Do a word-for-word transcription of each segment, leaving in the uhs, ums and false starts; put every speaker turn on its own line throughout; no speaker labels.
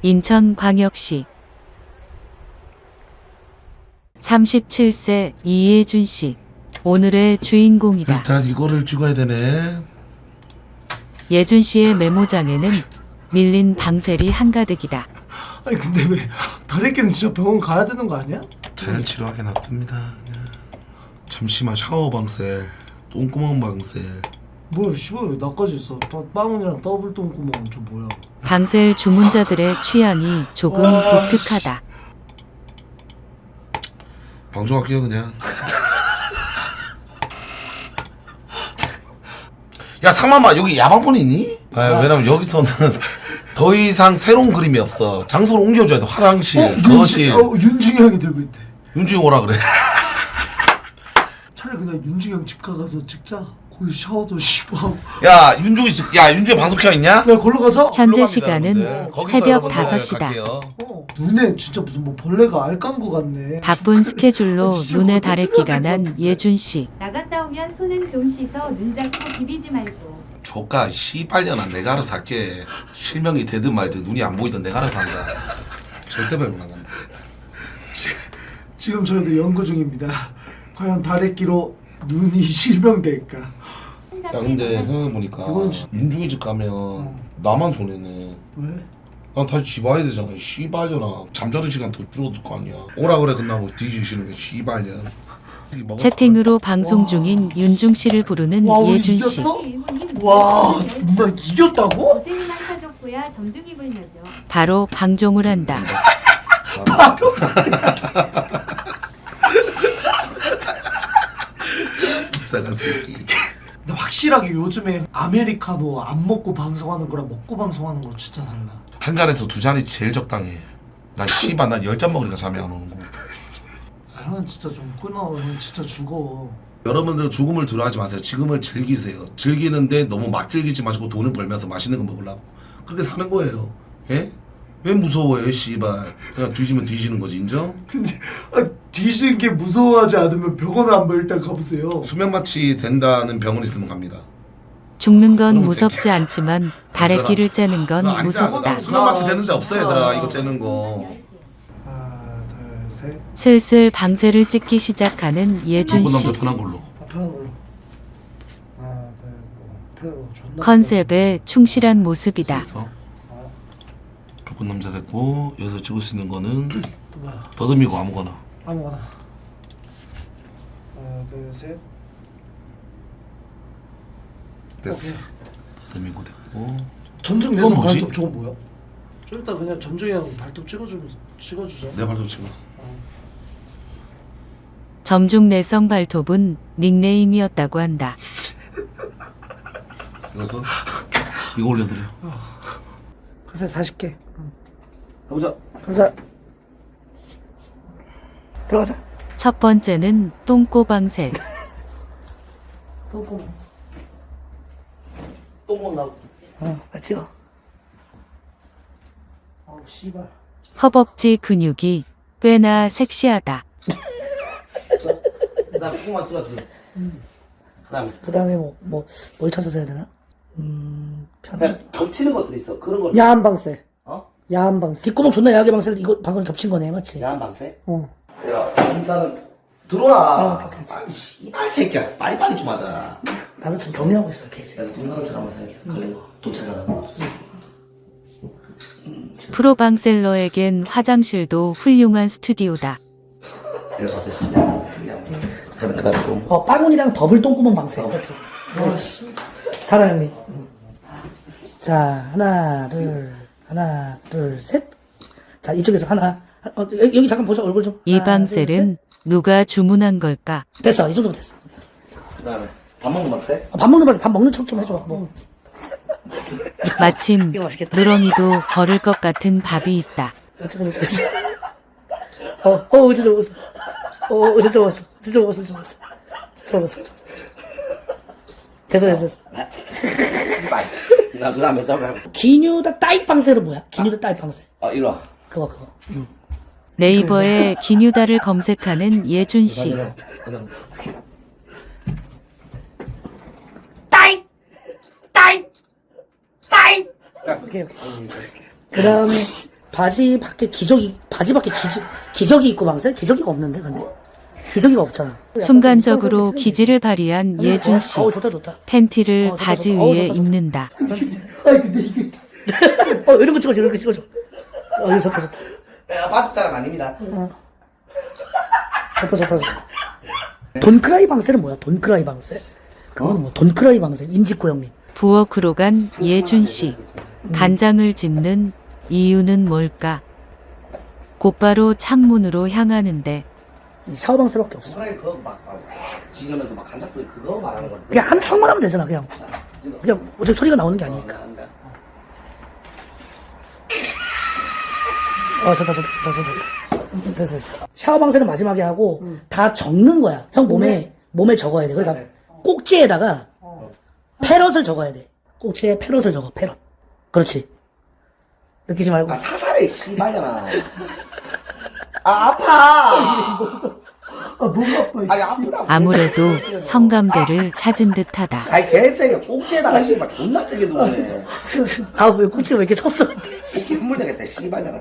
인천광역시 삼십칠 세 이예준 씨, 오늘의 주인공이다.
일단 이거를 찍어야 되네.
예준 씨의 메모장에는 밀린 방셀이 한가득이다.
아니 근데 왜 다래끼는 진짜 병원 가야 되는 거 아니야?
자연 치료하게 놔둡니다. 그냥. 잠시만 샤워 방셀, 똥구멍 방셀.
뭐야 씨발 나까지 있어. 빵원이랑 더블 똥구멍은 저 뭐야?
방셀 주문자들의 취향이 조금 독특하다.
방송할게요 그냥. 야 상만마 여기 야방폰 있니? 아, 왜냐면 여기서는 더 이상 새로운 그림이 없어. 장소를 옮겨줘야 돼. 화장실,
어,
거실.
윤, 어, 윤중이 형이 들고 있대.
윤중이 오라 그래.
차라리 그냥 윤중이 형 집 가서 찍자. 거기 샤워도 씹하고.
야 윤중이 집- 야 윤중이 방송 켜 있냐?
야 걸러 가자.
현재
올라갑니다,
시간은
여러분들. 거기서
새벽
여러분들
다섯 시다.
갈게요.
어, 눈에 진짜 무슨 뭐 벌레가 알 깐 거 같네.
바쁜 스케줄로
진짜
눈에
그거
다래끼가
뜯어야 될것
난
같은데.
예준 씨.
나갔다 오면 손은 좀 씻어 눈 잡고 비비지 말고.
조카 씨발년아 내가 알아서 할게. 실명이 되든 말든 눈이 안 보이든 내가 알아서 한다. 절대 배분 안 간다.
지금 저희도 연구 중입니다. 과연 다래끼로 눈이 실명될까?
야 근데 생각해보니까
이건 진-
윤중이 집 가면 나만 손해네.
왜?
난 다시 집 와야 되잖아. 씨발년아. 잠자는 시간 더 줄어들 거 아니야. 오라 그래 끝나고 뒤지기 싫으면 씨발년.
채팅으로 방송 중인 윤중 씨를 부르는
와 우리
예준 씨.
이겼어?
일본인
와
무슨
정말 이겼다고?
고생이만 사줬고야 점중이 굴려줘.
바로 방종을 한다.
비싸간 새끼.
근데 확실하게 요즘에 아메리카노 안 먹고 방송하는 거랑 먹고 방송하는 거 진짜 달라.
한 잔에서 두 잔이 제일 적당해. 난 씨발 난 열 잔 먹으니까 잠이 안 오는 거.
아, 형은 진짜 좀 끊어. 형 진짜 죽어.
여러분들 죽음을 두려워하지 마세요. 지금을 즐기세요. 즐기는데 너무 막 즐기지 마시고 돈을 벌면서 맛있는 거 먹으려고 그렇게 사는 거예요. 예? 왜 무서워요, 씨발. 그냥 뒤지면 뒤지는 거지, 인정?
근데 아, 뒤지는 게 무서워하지 않으면 병원에 한번 일단 가보세요.
수면 마취 된다는 병원 있으면 갑니다.
죽는 건
그럼
무섭지 않지만 다래끼를 째는 건
그거 아니야.
무섭다.
나 수면 마취 되는데
아,
없어
진짜.
얘들아. 이거 째는 거.
하나 둘 셋.
슬슬 방셀을 찍기 시작하는 예준
이번
씨.
남자 편한 걸로.
아, 편한 걸로. 하나 둘 편한 걸로 존나.
컨셉에 충실한 모습이다.
그래서 바쁜 남자 됐고 여기서 찍을 수 있는 거는
또 뭐야?
더듬이고 아무거나.
아무거나. 하나 둘 셋.
됐어.
오케이.
더듬이고 됐고.
점중
이건
내선
뭐지?
발톱 저건 뭐야? 좀 이따 그냥 점중이 형 발톱 찍어주면 찍어주자.
내 발톱 치고.
점중 내성 발톱은 닉네임이었다고 한다.
이거서 이거 올려드려.
가서 사십 개.
가보자.
가자. 들어가자.
첫 번째는 똥꼬방셀.
똥꼬.
똥 나고.
어, 나 찍어. 아우 씨발.
허벅지 근육이 꽤나 섹시하다.
나 똥만 찍었지. 그다음에
그 다음에 뭐, 뭐, 뭘 찾아서 해야 되나? 음, 편.
그냥 겹치는 것들이 있어. 그런 걸.
야한 방셀.
어?
야한 방셀. 뒷구멍 존나 야하게 방셀, 이거 방금 겹친 거네, 맞지?
야한 방세?
어.
야, 인사는 들어와. 빨리 이발 새끼야. 빨리 빨리 좀 하자.
나도 좀 정리하고 있어, 케이스.
그래서 돈 나간 척하면 생각해. 걸린 거. 돈 찾아가는 거.
프로방셀러에겐 화장실도 훌륭한 스튜디오다.
이래서 어땠어? 그다음에 또
어, 빵훈이랑 더블 똥구멍 방셀. 그치? 어, 사랑 형님. 음. 자, 하나, 둘, 하나, 둘, 셋. 자, 이쪽에서 하나. 어, 여기, 여기 잠깐 보자, 얼굴 좀.
이
하나,
방셀은 누가 주문한 걸까?
둘, 셋. 됐어, 이 정도면 됐어.
그다음에 밥 먹는 방세?
어, 밥 먹는 방셀, 밥 먹는 척 좀 해줘. 뭐.
마침
이거 맛있겠다.
누렁이도 걸을 것 같은 밥이 있다.
어쩌고 저쩌고. 어, 어, 진짜 먹었어. 어, 진짜 먹었어. 진짜 먹었어, 진짜 먹었어. 진짜 먹었어. 됐어, 됐어, 됐어.
빨리. 나 그다음에 또 해.
기뉴다 따이 방셀은 뭐야? 기뉴다 따이 방셀.
아 이리 와.
그거, 그거. 응.
네이버에 기뉴다를 검색하는 예준 씨.
따이! 따이! 따이! 오케이, 오케이. 그 다음에, 바지 밖에 기저귀 바지 밖에 기저, 기저귀 입고 방세? 기저귀가 없는데 근데 기저귀가 없잖아.
순간적으로 기질을 발휘한 예준 씨.
어우 좋다 좋다.
팬티를
어, 좋다,
바지
좋다. 어우,
위에
좋다, 좋다.
입는다.
아니 근데 이게 어 이런 거 찍어줘 이런 거 찍어줘. 어 이거 좋다 좋다.
야, 바스 사람 아닙니다.
좋다 좋다 좋다. 돈크라이 방세는 뭐야? 돈크라이 방세? 그건 뭐 돈크라이 방세? 인직구 형님.
부엌으로 간 예준 씨. 간장을 집는 이유는 뭘까? 곧바로 창문으로 향하는데
샤워 방세밖에 없어.
사람이 그거 막, 막, 지으면서 막 간장불에 그거 말하는 건데.
그냥 한 총만 하면 되잖아 그냥. 그냥 어차피 소리가 나오는 게 아니니까. 어 좋다 좋다 좋다 좋다. 됐어 됐어. 샤워 방세는 마지막에 하고 다 적는 거야. 형 몸에 몸에 적어야 돼. 그러니까 꼭지에다가 패럿을 적어야 돼. 꼭지에 패럿을 적어. 패럿. 그렇지. 느끼지 말고.
아, 사살해, 씨발년아. 아, 아파!
아 뭐가 아파.
아니, 아프다.
아무래도 성감대를 찾은 듯하다.
아니, 개세게 꼭지에다가 씨발 존나 세게 누르네.
아왜 꼭지가 왜 이렇게 섰어?
꼭지 흠물 되겠다, 씨발년아.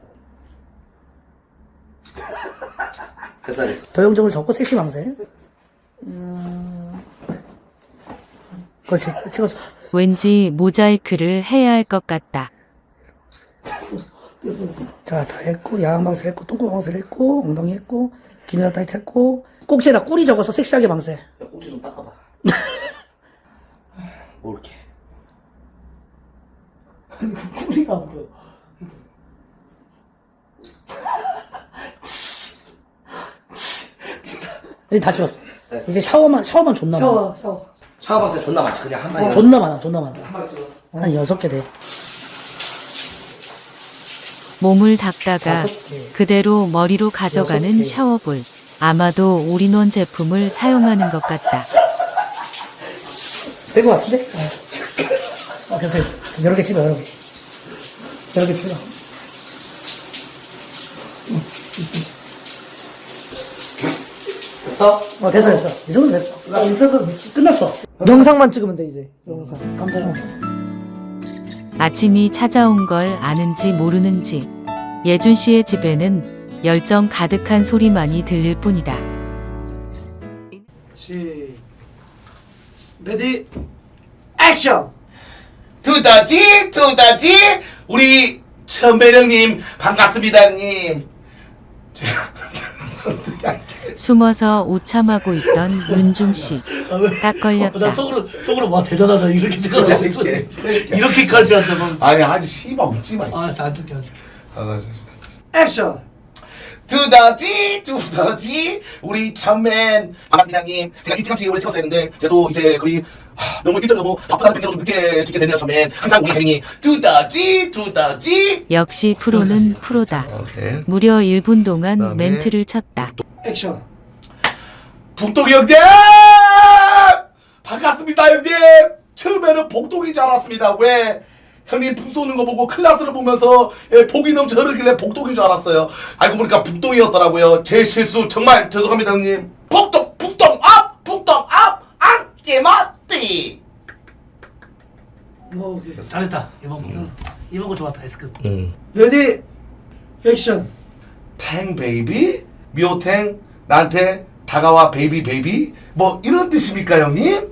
됐어, 됐어.
도형적으로 적고 섹시 방세. 음... 그렇지. 찍어줘.
왠지 모자이크를 해야 할 것 같다.
자, 다 했고, 야광 방세를 했고, 똥꼬 방세를 했고, 엉덩이 했고, 기미다 타이트 했고, 꼭지에다 꿀이 적어서 섹시하게 방세.
야, 꼭지 좀 닦아봐. 뭐 이렇게.
꿀이가 안 보여. 이제 다 찍었어.
됐어.
이제 샤워만, 샤워만 존나 많아.
샤워.
샤워바스 존나 많지, 그냥 한 마리.
존나 많아, 존나 많아. 한 여섯 개 돼.
몸을 닦다가
다섯 개.
그대로 머리로 가져가는
여섯 개.
샤워볼. 아마도 올인원 제품을 사용하는 것 같다.
된 거 같은데? 어. 오케이, 오케이. 여러 개 찍어, 여러 개. 여러 개 찍어.
됐어?
어, 됐어, 됐어. 이 정도 됐어. 나 인터뷰 끝났어. 영상만 찍으면 돼, 이제. 영상. 감사합니다.
아침이 찾아온 걸 아는지 모르는지 예준 씨의 집에는 열정 가득한 소리만이 들릴 뿐이다.
시. 레디. 액션.
두더지 두더지 우리 천배령님 반갑습니다 님. 제가
숨어서 오참하고 있던 윤중 씨. 딱
나
걸렸다.
속으로 속으로 와 대단하다 이렇게 생각하고 있어.
이렇게.
이렇게까지 한다 하면서.
아니 아주 씨발 웃지 마.
알았어 안 줄게 안 줄게.
아, 나 진짜.
액션.
두더지 두더지 우리 천맨 반갑습니다 님. 제가 일찌감치 원래 찍었어야 했는데 저도 이제 거의 하, 너무 일절 너무 바쁘다는 핑계로 좀 늦게 찍게 되네요 천맨. 항상 우리 혜민이 두더지 두더지.
역시 프로는 프로다.
오케이.
무려 일 분 동안
그다음에
멘트를 쳤다.
액션.
북동이 형님 반갑습니다 형님. 처음에는 복동인 줄 알았습니다. 왜? 형님 북 쏘는 거 보고 클라스를 보면서 예, 복이 넘쳐 흐르길래 복동인 줄 알았어요. 알고 보니까 북동이었더라고요. 제 실수 정말 죄송합니다 형님. 복동 북동 앞 북동 앞 안깨 맞디.
오, 오케이. 잘했다 이번 거. 이번 거 좋았다 S급.
응.
레디. 액션.
탱 베이비 미호탱 나한테 다가와 베이비 베이비 뭐 이런 뜻입니까 형님?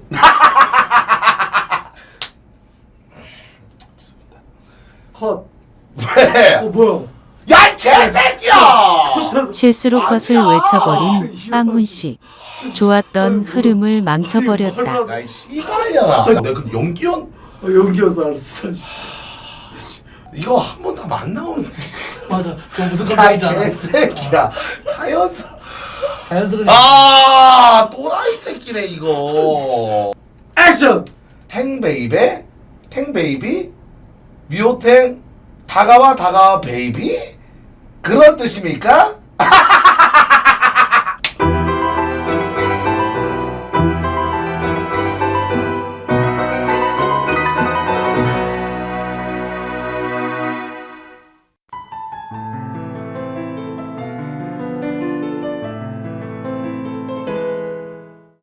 컷.
왜?
어 뭐야?
야 이 개새끼야!
실수로 컷을 외쳐버린 빵훈 씨. 좋았던 흐름을 망쳐버렸다.
야이 씨발이야. 내가 그 연기원
어, 연기여서 알았어.
이거 한 번 다 안 나오는데.
맞아. 저 무슨
야
감정인지 알아.
개새끼야. 자연스.
자연스럽게.
아 또라이 새끼네 이거.
액션.
탱베이베 탱베이비 미호탱 다가와 다가와 베이비 그런 뜻입니까?